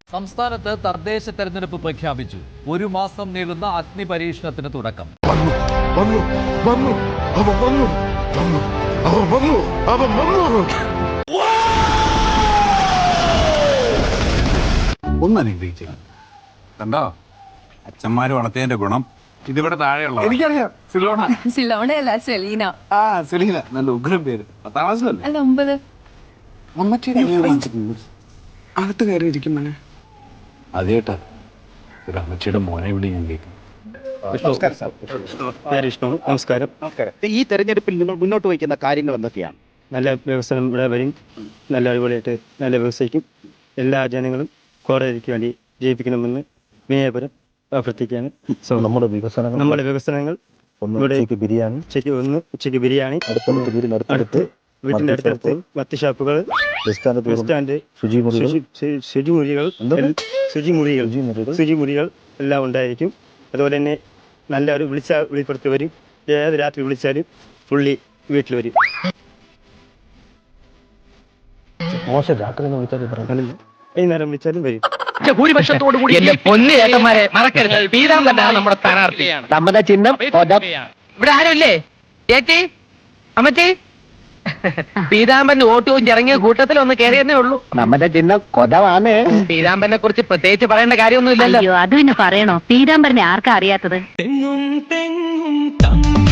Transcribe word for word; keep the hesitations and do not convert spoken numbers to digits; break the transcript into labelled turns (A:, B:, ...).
A: സംസ്ഥാനത്ത് തദ്ദേശ തെരഞ്ഞെടുപ്പ് പ്രഖ്യാപിച്ചു. ഒരു മാസം നീളുന്ന അഗ്നി പരീക്ഷണത്തിന് തുടക്കം.
B: ഒന്നനുഗ്രഹിച്ചു കണ്ടോ അച്ഛന്മാര് വളർത്തിയതിന്റെ ഗുണം. ഇതിവിടെ താഴെയുള്ള എനിക്കറിയാം. സിലോണ
C: സിലോണയല്ല, സെലീന.
B: ആ സെലീന, നല്ല ഉഗ്രം പേര്. പത്താം ക്ലാസ്സിലല്ലേ?
C: അല്ല, ഒമ്പത്.
B: അകത്ത് കയറി ഇരിക്കും മോനെ. അത് കേട്ടാ ഒരു അമ്മച്ചിയുടെ മോനെ വിളി ഞാൻ കേൾക്കും.
D: നമസ്കാരം. ഈ തെരഞ്ഞെടുപ്പിൽ നിങ്ങൾ മുന്നോട്ട് വയ്ക്കുന്ന കാര്യങ്ങൾ എന്തൊക്കെയാണ്?
E: നല്ല വ്യവസായം ഇവിടെ വരും, നല്ല അടിപൊളിയായിട്ട് നല്ല വ്യവസായിക്കും. എല്ലാ ജനങ്ങളും കോടതിക്ക് വേണ്ടി ജയിപ്പിക്കണമെന്ന് വിനയപുരം അഭ്യർത്ഥിക്കുകയാണ്.
F: നമ്മുടെ വികസനങ്ങൾ
E: നമ്മുടെ വികസനങ്ങൾ
F: ഉച്ചയ്ക്ക് ബിരിയാണി
E: ഉച്ചയ്ക്ക് ഒന്ന് ഉച്ചയ്ക്ക് ബിരിയാണി
F: അടുത്ത വീടിനടുത്ത്
E: വീട്ടിൻ്റെ അടുത്തടുത്ത് മറ്റ് ഷാപ്പുകൾ, ബസ് സ്റ്റാൻഡ്,
F: ശുചിമുറികൾ
E: ശുചിമുറികൾ ശുചിമുറികൾ ശുചിമുറികൾ എല്ലാം ഉണ്ടായിരിക്കും. അതുപോലെ തന്നെ നല്ല ഒരു വിളിച്ചാൽ വിളിപ്പുറത്ത് വരും. ഏത് രാത്രി വിളിച്ചാലും പുള്ളി വീട്ടിൽ വരും.
F: മോശം രാത്രി വിളിച്ചാൽ
E: വൈകുന്നേരം വിളിച്ചാലും വരും.
G: ഭൂരിപക്ഷത്തോടു കൂടി എന്റെ പൊന്നു ഏട്ടന്മാരെ മറക്കരുത്. പീതാംബരനാണ് നമ്മുടെ സ്ഥാനാർത്ഥി. നമ്മുടെ ചിഹ്നം ഇവിടെ ആരുമില്ലേ? ചേച്ചി, അമ്മച്ചി, പീതാംബരന് വോട്ട് ചോദിച്ച് ഇറങ്ങിയ കൂട്ടത്തിൽ ഒന്ന് കയറിയെന്നേ ഉള്ളൂ. നമ്മുടെ ചിഹ്നം കൊതവാണ്. പീതാംബരനെ കുറിച്ച് പ്രത്യേകിച്ച് പറയേണ്ട കാര്യമൊന്നും ഇല്ലല്ലോ.
C: അത് പിന്നെ പറയണോ? പീതാംബരനെ ആർക്കാ അറിയാത്തത്?
H: തെങ്ങും തെങ്ങും